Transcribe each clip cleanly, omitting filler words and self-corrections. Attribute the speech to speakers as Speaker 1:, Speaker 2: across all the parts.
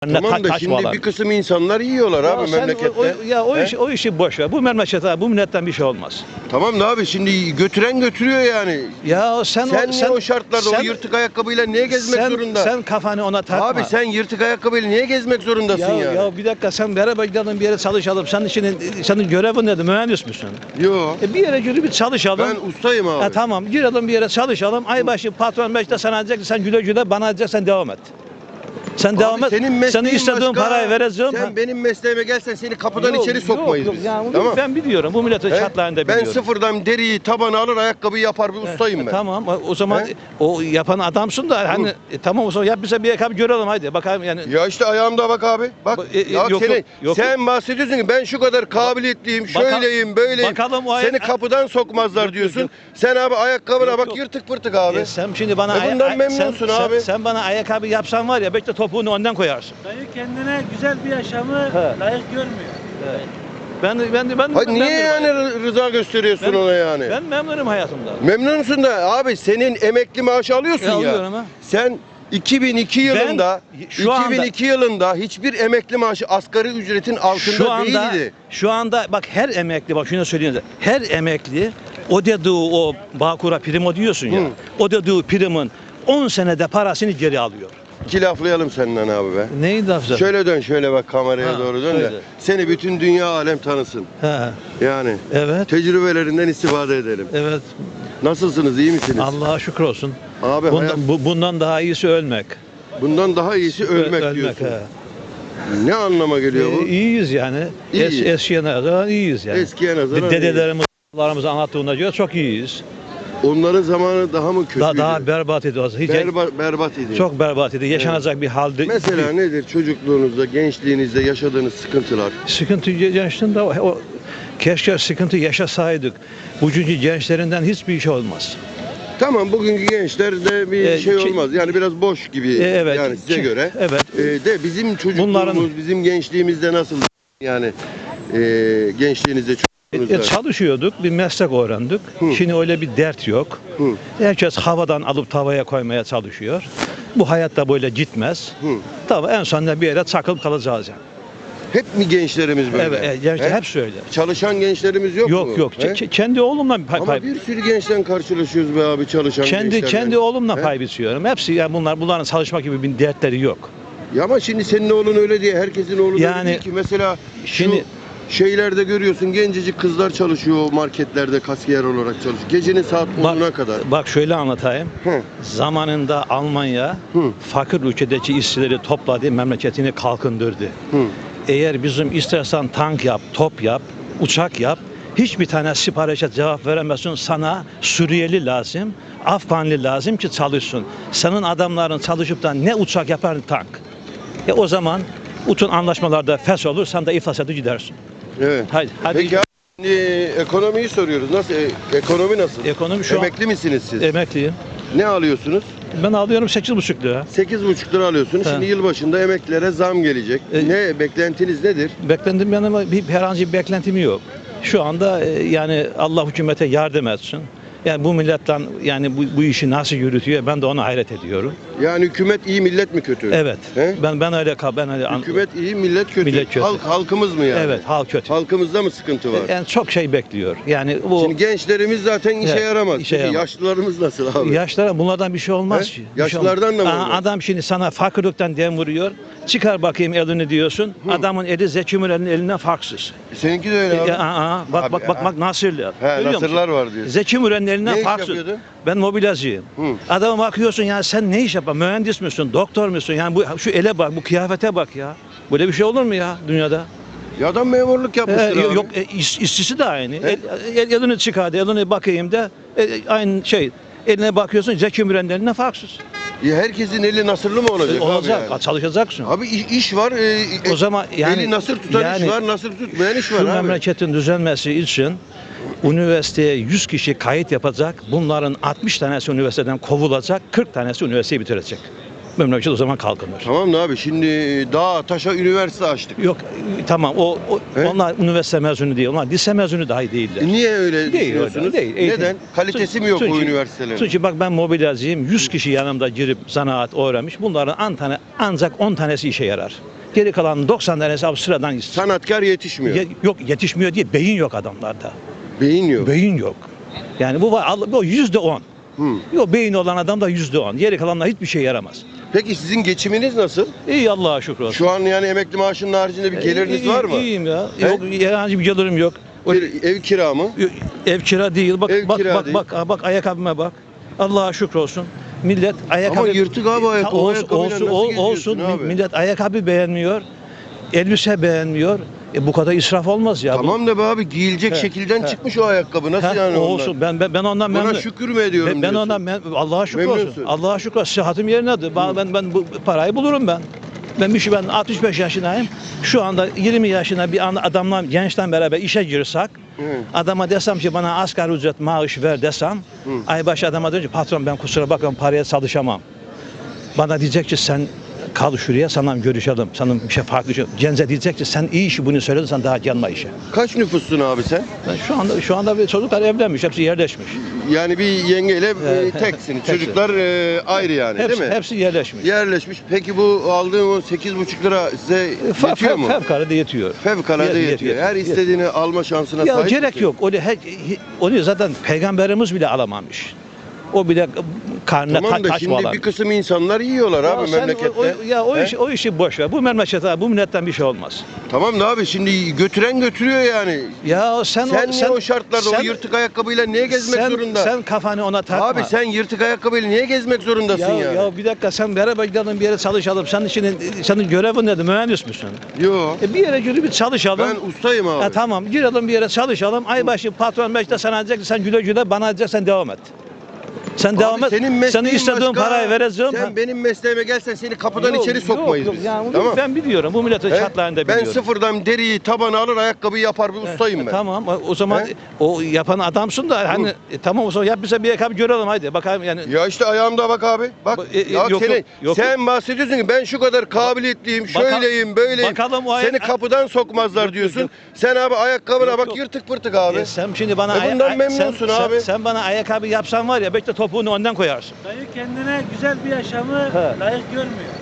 Speaker 1: Tamam da şimdi
Speaker 2: Taşmalar.
Speaker 1: bir kısım insanlar yiyorlar abi
Speaker 2: Sen
Speaker 1: memlekette.
Speaker 2: o işi boş ver. Bu memlekette, bu milletten bir şey olmaz.
Speaker 1: Tamam da abi şimdi götüren götürüyor yani.
Speaker 2: Ya
Speaker 1: Sen niye o şartlarda o yırtık ayakkabıyla niye gezmek zorunda?
Speaker 2: Sen kafanı ona takma.
Speaker 1: Abi sen yırtık ayakkabıyla niye gezmek zorundasın yani?
Speaker 2: Ya bir dakika, sen beraber gidelim bir yere çalışalım. Senin görevin nedir? Mühendis misin?
Speaker 1: Yo.
Speaker 2: Bir yere yürü bir çalışalım.
Speaker 1: Ben ustayım abi.
Speaker 2: Tamam, girelim bir yere çalışalım. Aybaşı patron beşte sana diyecek, sen güle güle, bana diyecek, sen devam et. Sen devam et. Senin istediğin parayı vereceğim.
Speaker 1: Sen benim mesleğime gelsen seni kapıdan içeri sokmayız biz.
Speaker 2: Yani
Speaker 1: Tamam.
Speaker 2: Ben biliyorum. Bu milletin şartlarını da biliyorum.
Speaker 1: Ben sıfırdan deriyi tabana alır ayakkabıyı yapar bir ustayım ben.
Speaker 2: Tamam, o zaman o yapan adamsın da hani tamam, o zaman yap bize bir ayakkabı görelim, haydi bakalım yani.
Speaker 1: Ya işte ayağımda bak abi. Bak. Sen bahsediyorsun ki ben şu kadar kabiliyetliyim, şöyleyim, böyleyim.
Speaker 2: Bakalım
Speaker 1: seni kapıdan sokmazlar diyorsun. Sen abi ayakkabına bak yırtık pırtık abi.
Speaker 2: Sen şimdi bana
Speaker 1: bundan memnunsun abi.
Speaker 2: Sen bana ayakkabı yapsan var ya, belki de topuğunu ondan koyarsın.
Speaker 3: Dayı kendine güzel bir yaşamı layık görmüyor.
Speaker 1: Niye yani rıza gösteriyorsun ona yani?
Speaker 2: Ben memnunum hayatımda.
Speaker 1: Memnunsun da abi senin emekli maaşı alıyorsun ya.
Speaker 2: Alıyorum ha.
Speaker 1: Sen 2002 yılında hiçbir emekli maaşı asgari ücretin altında değildi.
Speaker 2: Şu anda bak, her emekli, bak şunu söyleyeyim de, her emekli o dediği o Bağkur'a prim ödüyorsun ya. O dediği primin 10 senede parasını geri alıyor.
Speaker 1: İki laflayalım senden abi be.
Speaker 2: Neyi laflayalım?
Speaker 1: Şöyle dön, şöyle bak kameraya doğru dön de seni bütün dünya alem tanısın. Yani
Speaker 2: Evet.
Speaker 1: tecrübelerinden istifade edelim.
Speaker 2: Evet.
Speaker 1: Nasılsınız, iyi misiniz?
Speaker 2: Allah'a şükür olsun.
Speaker 1: Abi
Speaker 2: Bundan daha iyisi ölmek.
Speaker 1: Bundan daha iyisi ölmek diyorsun. Ne anlama geliyor bu?
Speaker 2: İyiyiz yani. Eskiye nazaran iyiyiz yani.
Speaker 1: Eskiye nazaran
Speaker 2: Dedelerimiz anlattığına göre çok iyiyiz.
Speaker 1: Onların zamanı daha mı kötüydü?
Speaker 2: Daha berbat idi.
Speaker 1: Berbat idi.
Speaker 2: Çok berbat idi. Yaşanacak bir halde.
Speaker 1: Mesela nedir çocukluğunuzda, gençliğinizde yaşadığınız sıkıntılar?
Speaker 2: Sıkıntı yaşında keşke sıkıntı yaşasaydık. Bugünkü gençlerinden hiçbir şey olmaz.
Speaker 1: Tamam, bugünkü gençlerde bir şey olmaz. Yani biraz boş gibi yani size göre.
Speaker 2: Evet.
Speaker 1: De bizim çocukluğumuz, bizim gençliğimizde nasıl yani gençliğinizde
Speaker 2: çalışıyorduk, bir meslek öğrendik. Şimdi öyle bir dert yok. Herkes havadan alıp tavaya koymaya çalışıyor. Bu hayatta böyle gitmez. Tabii en sonunda bir yere çakılıp kalacağız yani.
Speaker 1: Hep mi gençlerimiz böyle?
Speaker 2: Evet, gençler hep söyle.
Speaker 1: Çalışan gençlerimiz yok mu?
Speaker 2: Yok. Kendi oğlumla
Speaker 1: Ama bir sürü gençten karşılaşıyoruz be abi, çalışan gençlerden.
Speaker 2: Kendi oğlumla pay biçiyorum. Hepsi yani bunların çalışmak gibi bir dertleri yok.
Speaker 1: Ya ama şimdi senin oğlun öyle diye herkesin oğlu öyle değil ki. Mesela şimdi şeylerde görüyorsun, gencecik kızlar çalışıyor marketlerde kasiyer olarak çalışıyor. Gecenin saat 10'una kadar.
Speaker 2: Bak şöyle anlatayım. Zamanında Almanya fakir ülkedeki işçileri topladı, memleketini kalkındırdı. Eğer bizim istersen tank yap, top yap, uçak yap, hiçbir tane siparişe cevap veremezsin. Sana Suriyeli lazım, Afganlı lazım ki çalışsın. Senin adamların çalışıp da ne uçak yapar ne tank. O zaman bütün anlaşmalarda fes olur, sen de iflas edip gidersin.
Speaker 1: Evet.
Speaker 2: Hadi.
Speaker 1: Peki abi, ekonomiyi soruyoruz. Nasıl? Ekonomi nasıl?
Speaker 2: Ekonomi şu
Speaker 1: Emekli misiniz siz?
Speaker 2: Emekliyim.
Speaker 1: Ne alıyorsunuz?
Speaker 2: Ben alıyorum 8,5 lira.
Speaker 1: 8,5 lira alıyorsunuz. Şimdi yılbaşında emeklilere zam gelecek. Ne beklentiniz nedir?
Speaker 2: Beklentim benim herhangi bir beklentim yok. Şu anda yani Allah hükümete yardım etsin. Yani bu milletten yani bu işi nasıl yürütüyor, ben de ona hayret ediyorum.
Speaker 1: Yani hükümet iyi, millet mi kötü?
Speaker 2: Evet. Ben öyle
Speaker 1: hükümet iyi, millet kötü.
Speaker 2: Millet kötü.
Speaker 1: Halkımız mı yani?
Speaker 2: Evet, halk kötü.
Speaker 1: Halkımızda mı sıkıntı var?
Speaker 2: Yani çok şey bekliyor. Yani bu
Speaker 1: şimdi gençlerimiz zaten işe yaramaz. Yaşlılarımız nasıl abi?
Speaker 2: Yaşlara bunlardan bir şey olmaz ki.
Speaker 1: Yaşlılardan da mı olmaz?
Speaker 2: Adam şimdi sana fakirlikten dem vuruyor. Çıkar bakayım elini diyorsun. Adamın eli Zeki Müren'in elinden farksız.
Speaker 1: Seninki de öyle abi.
Speaker 2: Bak nasıl.
Speaker 1: Nasırlar var diyorsun.
Speaker 2: Zeki Müren'in elinden farksız. Ben mobilyacıyım. Adama bakıyorsun yani, sen ne iş yapar? Mühendis misin? Doktor musun? Yani şu ele bak, bu kıyafete bak ya. Böyle bir şey olur mu ya dünyada?
Speaker 1: Ya adam memurluk yapmıştır abi.
Speaker 2: Yok, işçisi de aynı. Elini çıkardı, elini bakayım da aynı şey. Eline bakıyorsun, Zeki Müren'in elinden farksız.
Speaker 1: Ya herkesin eli nasırlı mı olacak?
Speaker 2: Olacak,
Speaker 1: abi yani?
Speaker 2: Çalışacaksın.
Speaker 1: Abi iş var.
Speaker 2: O zaman yani
Speaker 1: eli nasır tutan iş var, nasır tutmayan iş var abi.
Speaker 2: Şu memleketin düzelmesi için üniversiteye 100 kişi kayıt yapacak. Bunların 60 tanesi üniversiteden kovulacak, 40 tanesi üniversiteyi bitirecek. memleket o zaman kalkınır.
Speaker 1: Tamam da abi şimdi dağa taşa üniversite açtık.
Speaker 2: Yok tamam
Speaker 1: He?
Speaker 2: onlar üniversite mezunu değil. Onlar lise mezunu dahi değiller.
Speaker 1: Niye öyle
Speaker 2: Değil,
Speaker 1: düşünüyorsunuz?
Speaker 2: değil. Eğitim.
Speaker 1: Neden? Kalitesi mi yok bu üniversitelerin?
Speaker 2: Çünkü bak ben mobilyacıyım. 100 kişi yanımda girip zanaat öğrenmiş. Bunların ancak 10 tanesi işe yarar. Geri kalan 90 tanesi abi sıradan işsiz.
Speaker 1: Sanatkar yetişmiyor.
Speaker 2: Yok yetişmiyor diye beyin yok adamlarda.
Speaker 1: Beyin yok.
Speaker 2: Beyin yok. Yani bu var bu %10. Yok beyin olan adam da %10. Geri kalanlar hiçbir şey yaramaz.
Speaker 1: Peki sizin geçiminiz nasıl?
Speaker 2: İyi Allah'a şükür olsun.
Speaker 1: Şu an yani emekli maaşının haricinde bir geliriniz var mı?
Speaker 2: İyiyim ya.
Speaker 1: He?
Speaker 2: Yok herhangi bir gelirim yok.
Speaker 1: Ev kira mı?
Speaker 2: Ev kira değil. Bak
Speaker 1: Ev
Speaker 2: bak
Speaker 1: kira
Speaker 2: bak
Speaker 1: değil.
Speaker 2: bak ayakkabıma bak. Allah'a şükür olsun. Millet ayakkabı
Speaker 1: Ama yırtık abi ayakkabı. O ayakkabıyla nasıl
Speaker 2: olsun.
Speaker 1: geziyorsun abi?
Speaker 2: Millet ayakkabı beğenmiyor. Elbise beğenmiyor. Bu kadar israf olmaz ya.
Speaker 1: Tamam da be abi giyilecek
Speaker 2: He,
Speaker 1: şekilden
Speaker 2: he.
Speaker 1: çıkmış o ayakkabı. Nasıl yani ondan?
Speaker 2: olsun. Ben ondan
Speaker 1: Buna
Speaker 2: memnunum.
Speaker 1: şükür mü ediyorum
Speaker 2: Ben
Speaker 1: diyorsun?
Speaker 2: ondan Allah'a şükür
Speaker 1: Memnunsun.
Speaker 2: olsun. Allah'a şükür olsun. Sıhhatim yerindedir. Ben bu parayı bulurum ben. Ben 65 yaşındayım. Şu anda 20 yaşında bir adamla gençten beraber işe girsek, adama desem ki bana asgari ücret maaş ver desem, ay başı adama diyor ki patron ben kusura bakma paraya çalışamam. Bana diyecek ki sen kal şuraya sana görüşelim. Sana bir şey farklı şey. Gence diyecek ki sen iyi işi bunu söyledin sen daha gelme işe.
Speaker 1: Kaç nüfussun abi sen?
Speaker 2: Ben şu anda bir çocuklar evlenmiş, hepsi yerleşmiş.
Speaker 1: Yani bir yengeyle
Speaker 2: Evet.
Speaker 1: teksiniz.
Speaker 2: Hepsi.
Speaker 1: Çocuklar ayrı yani değil mi?
Speaker 2: Hepsi yerleşmiş.
Speaker 1: Yerleşmiş. Peki bu aldığın o 8,5 lira size yetiyor mu?
Speaker 2: Fevkalade yetiyor.
Speaker 1: Fevkalade yetiyor. Her istediğini alma şansına
Speaker 2: Ya
Speaker 1: sahip
Speaker 2: gerek
Speaker 1: misin?
Speaker 2: yok. Onu zaten peygamberimiz bile alamamış. O bile karnına
Speaker 1: Tamam da
Speaker 2: taş
Speaker 1: şimdi
Speaker 2: bağlar.
Speaker 1: bir kısım insanlar yiyorlar abi
Speaker 2: sen
Speaker 1: memlekette.
Speaker 2: o
Speaker 1: He?
Speaker 2: işi boş ver. Bu memlekete, bu milletten bir şey olmaz.
Speaker 1: Tamam da abi şimdi götüren götürüyor yani.
Speaker 2: Ya
Speaker 1: Sen niye o şartlarda o yırtık ayakkabıyla niye gezmek zorunda?
Speaker 2: Sen kafanı ona takma.
Speaker 1: Abi sen yırtık ayakkabıyla niye gezmek zorundasın yani?
Speaker 2: Ya bir dakika sen beraber gidelim bir yere çalışalım. Senin görevin nedir? Mühendis misin?
Speaker 1: Yo.
Speaker 2: Bir yere girip bir çalışalım.
Speaker 1: Ben ustayım abi.
Speaker 2: Tamam girelim bir yere çalışalım. Ay başı patron beşte sana diyecek ki sen güle güle bana diyecek sen devam et. Sen devam et.
Speaker 1: Senin mesleğin
Speaker 2: Senin istediğin
Speaker 1: başka.
Speaker 2: parayı vereceğim.
Speaker 1: Sen benim mesleğime gelsen seni kapıdan içeri sokmayız biz.
Speaker 2: Yani
Speaker 1: Tamam.
Speaker 2: ben biliyorum. Bu milletin
Speaker 1: He?
Speaker 2: şartlarını da
Speaker 1: Ben
Speaker 2: biliyorum.
Speaker 1: sıfırdan deriyi tabana alır ayakkabıyı yapar bir ustayım ben.
Speaker 2: Tamam o zaman
Speaker 1: He?
Speaker 2: o yapan adamsın da hani tamam o zaman yap bize bir ayakkabı görelim haydi bakalım yani.
Speaker 1: Ya işte ayağımda bak abi. Bak. Ya
Speaker 2: yok,
Speaker 1: senin,
Speaker 2: yok.
Speaker 1: sen bahsediyorsun ki ben şu kadar kabiliyetliyim, şöyleyim, böyleyim.
Speaker 2: bakalım o
Speaker 1: Seni kapıdan sokmazlar
Speaker 2: Yok,
Speaker 1: diyorsun.
Speaker 2: yok.
Speaker 1: Sen abi ayakkabına
Speaker 2: Yok,
Speaker 1: bak
Speaker 2: yok.
Speaker 1: yırtık pırtık abi.
Speaker 2: Sen şimdi bana
Speaker 1: bundan memnunsun abi.
Speaker 2: Sen bana ayakkabı yapsan var ya belki de topuğunu ondan koyarsın.
Speaker 3: Dayı kendine güzel bir yaşamı
Speaker 2: He.
Speaker 3: layık görmüyor.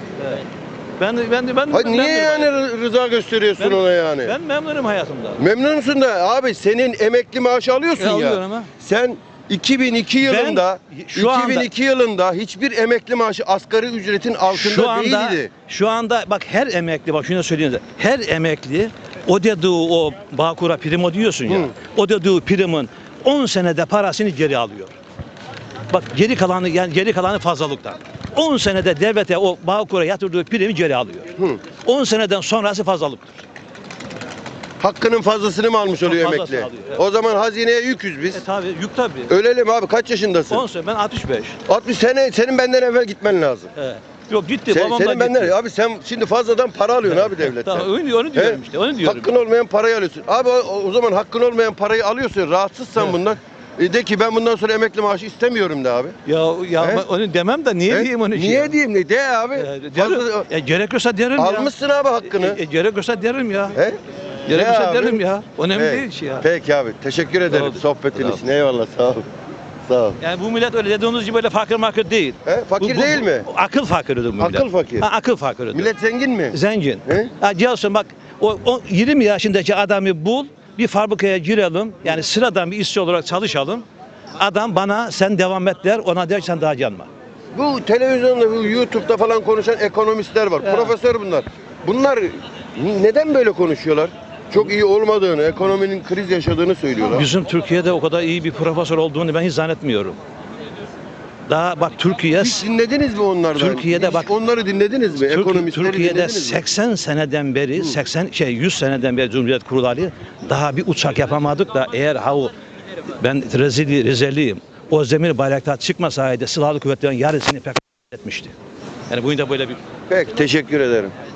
Speaker 1: Hayır, niye yani rıza gösteriyorsun ona yani?
Speaker 2: Ben memnunum hayatımda.
Speaker 1: Memnunsun da abi senin emekli maaşı alıyorsun ya.
Speaker 2: Alıyorum ha.
Speaker 1: Sen 2002 yılında yılında hiçbir emekli maaşı asgari ücretin altında değildi.
Speaker 2: Şu anda bak her emekli bak şunu söyleyeyim de her emekli o dediği o Bağkur'a prim ödüyorsun ya. O dediği primin 10 senede parasını geri alıyor. Bak geri kalanı fazlalıktan. 10 senede devlete o Bağkur'a yatırdığı primi geri alıyor. 10 seneden sonrası fazlalıktır.
Speaker 1: Hakkının fazlasını mı almış oluyor
Speaker 2: Fazlasını
Speaker 1: emekli?
Speaker 2: alıyor, evet.
Speaker 1: O zaman hazineye yüküz biz.
Speaker 2: Tabii yük tabii.
Speaker 1: Ölelim abi kaç yaşındasın?
Speaker 2: 10 sene ben 65.
Speaker 1: 60 sene senin benden evvel gitmen lazım.
Speaker 2: He. Yok gitti babam da
Speaker 1: Senin
Speaker 2: gitti.
Speaker 1: benden abi sen şimdi fazladan para alıyorsun abi devletten.
Speaker 2: Tamam onu diyorum
Speaker 1: He?
Speaker 2: işte onu diyorum.
Speaker 1: Hakkın olmayan parayı alıyorsun. Abi o zaman hakkın olmayan parayı alıyorsun. Rahatsızsan
Speaker 2: Evet.
Speaker 1: bundan. De ki ben bundan sonra emekli maaşı istemiyorum de abi.
Speaker 2: Ya
Speaker 1: He?
Speaker 2: ben onu demem de niye
Speaker 1: He?
Speaker 2: diyeyim onu?
Speaker 1: Niye diyeyim ne? De abi.
Speaker 2: Gerekiyorsa derim ya.
Speaker 1: Almışsın abi hakkını.
Speaker 2: Gerekiyorsa derim ya.
Speaker 1: He?
Speaker 2: Gerekiyorsa
Speaker 1: abi?
Speaker 2: derim ya. Önemli
Speaker 1: Peki.
Speaker 2: değil ki ya.
Speaker 1: Peki abi. Teşekkür ederim
Speaker 2: oldu.
Speaker 1: sohbetin
Speaker 2: Sağ ol.
Speaker 1: için. Eyvallah sağ ol. Sağ ol.
Speaker 2: Yani bu millet öyle dediğiniz gibi böyle fakir değil.
Speaker 1: He? Fakir değil mi?
Speaker 2: Akıl fakiridir bu millet.
Speaker 1: Akıl fakir.
Speaker 2: Akıl fakiridir.
Speaker 1: Millet zengin mi?
Speaker 2: Zengin.
Speaker 1: He?
Speaker 2: Gelsin bak o 20 yaşındaki adamı bul. Bir fabrikaya girelim. Yani sıradan bir işçi olarak çalışalım. Adam bana sen devam et der. Ona der sen daha gelme.
Speaker 1: Bu televizyonda, bu YouTube'da falan konuşan ekonomistler var.
Speaker 2: Ya.
Speaker 1: Profesör bunlar. Bunlar neden böyle konuşuyorlar? Çok iyi olmadığını, ekonominin kriz yaşadığını söylüyorlar.
Speaker 2: Bizim Türkiye'de o kadar iyi bir profesör olduğunu ben hiç zannetmiyorum. Daha bak Türkiye
Speaker 1: Hiç dinlediniz mi onlardan?
Speaker 2: Türkiye'de
Speaker 1: Hiç
Speaker 2: bak-
Speaker 1: onları dinlediniz mi? Ekonomistleri
Speaker 2: Türkiye'de
Speaker 1: dinlediniz mi?
Speaker 2: 80 seneden beri 100 seneden beri Cumhuriyet kurulalı daha bir uçak yapamadık da eğer ben reziliyim. O Özdemir Bayraktar çıkmasaydı silahlı kuvvetlerin yarısını pek etmişti. Yani bugün de böyle bir
Speaker 1: Peki teşekkür ederim.